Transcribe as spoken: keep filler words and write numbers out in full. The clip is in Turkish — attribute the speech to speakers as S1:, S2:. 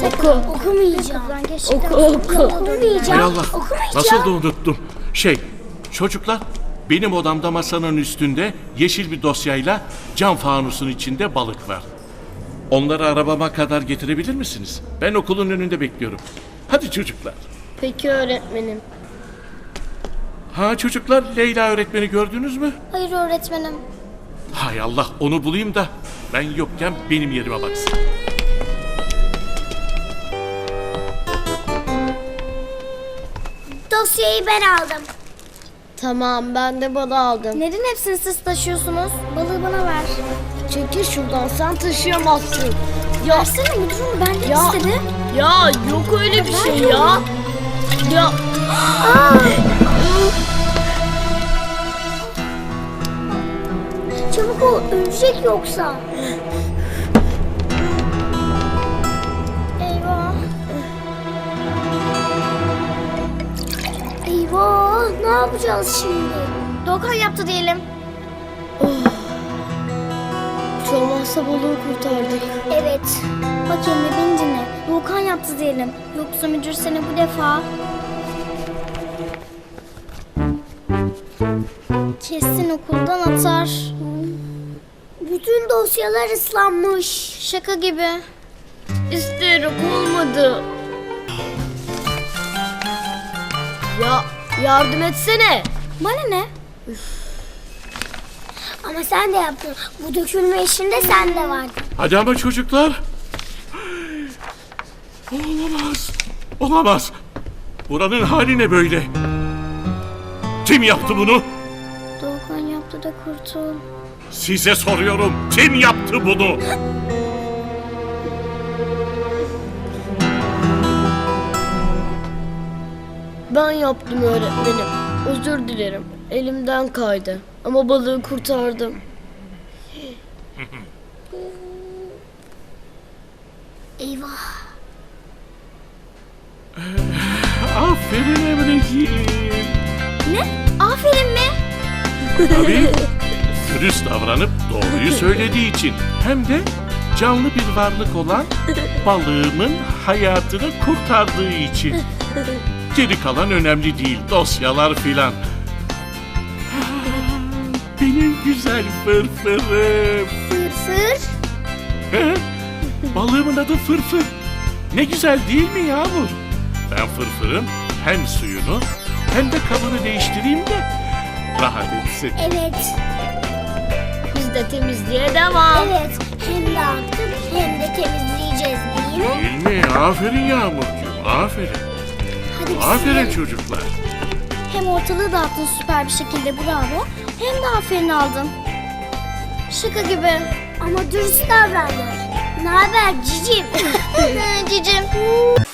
S1: Oku.
S2: Okumayacağım.
S1: Oku oku.
S2: Okumayacağım.
S3: Hay Allah,
S2: Okumayacağım.
S3: nasıl da unuttum. Şey, çocuklar, benim odamda masanın üstünde yeşil bir dosyayla cam fanusun içinde balık var. Onları arabama kadar getirebilir misiniz? Ben okulun önünde bekliyorum. Hadi çocuklar.
S1: Peki öğretmenim.
S3: Ha çocuklar, Leyla öğretmeni gördünüz mü?
S2: Hayır öğretmenim.
S3: Hay Allah, onu bulayım da ben yokken benim yerime baksın.
S2: Dosyayı ben aldım.
S1: Tamam, ben de balığı aldım.
S2: Neden hepsini siz taşıyorsunuz? Balığı bana ver.
S1: Çekil şuradan, sen taşıyamazsın. Ya,
S2: Versene müdürüm, benden
S1: Ya.
S2: istedi.
S1: ya yok öyle bir şey ya. Ya.
S2: Çabuk ol, ölecek yoksa. Eyvah. Eyvah, ne yapacağız şimdi? Doğukan yaptı diyelim.
S1: Hiç olmazsa balığı kurtardık.
S2: Evet. Bak Emre beni dinle. Doğukan yaptı diyelim. Yoksa müdür seni bu defa... kesin okuldan atar. Bütün dosyalar ıslanmış. Şaka gibi.
S1: İsteyerek olmadı. Ya yardım etsene.
S2: Bana ne? Ama sen de yaptın. Bu dökülme işinde sen de vardın.
S3: Hadi ama çocuklar. Olamaz. Olamaz. Buranın hali ne böyle? Kim yaptı bunu?
S2: Doğukan yaptı da kurtul.
S3: Size soruyorum. Kim yaptı bunu?
S1: Ben yaptım öğretmenim. Özür dilerim. Elimden kaydı. Ama balığı kurtardım.
S2: Eyvah.
S3: Aferin Emreciğim.
S2: Ne? Aferin mi?
S3: Tabii. Dürüst davranıp doğruyu söylediği için. Hem de canlı bir varlık olan balığımın hayatını kurtardığı için. Geri kalan önemli değil. Dosyalar filan. Benim güzel fırfırım.
S2: Fırfır.
S3: He? Balığımın adı Fırfır. Ne güzel değil mi Yağmur? Ben Fırfır'ın hem suyunu hem de kabını değiştireyim de rahat etsin.
S2: Evet.
S1: Biz de temizliğe devam.
S2: Evet. Hem dağıttık hem de temizleyeceğiz değil mi?
S3: Değil mi? Aferin Yağmurcuğum. Aferin.
S2: Hadi biz
S3: Aferin
S2: silelim.
S3: çocuklar.
S2: Hem ortalığı dağıttın süper bir şekilde bravo. Hem de aferin aldın. Şaka gibi. Ama dürüst davrandın. Ne haber cicim? Cicim.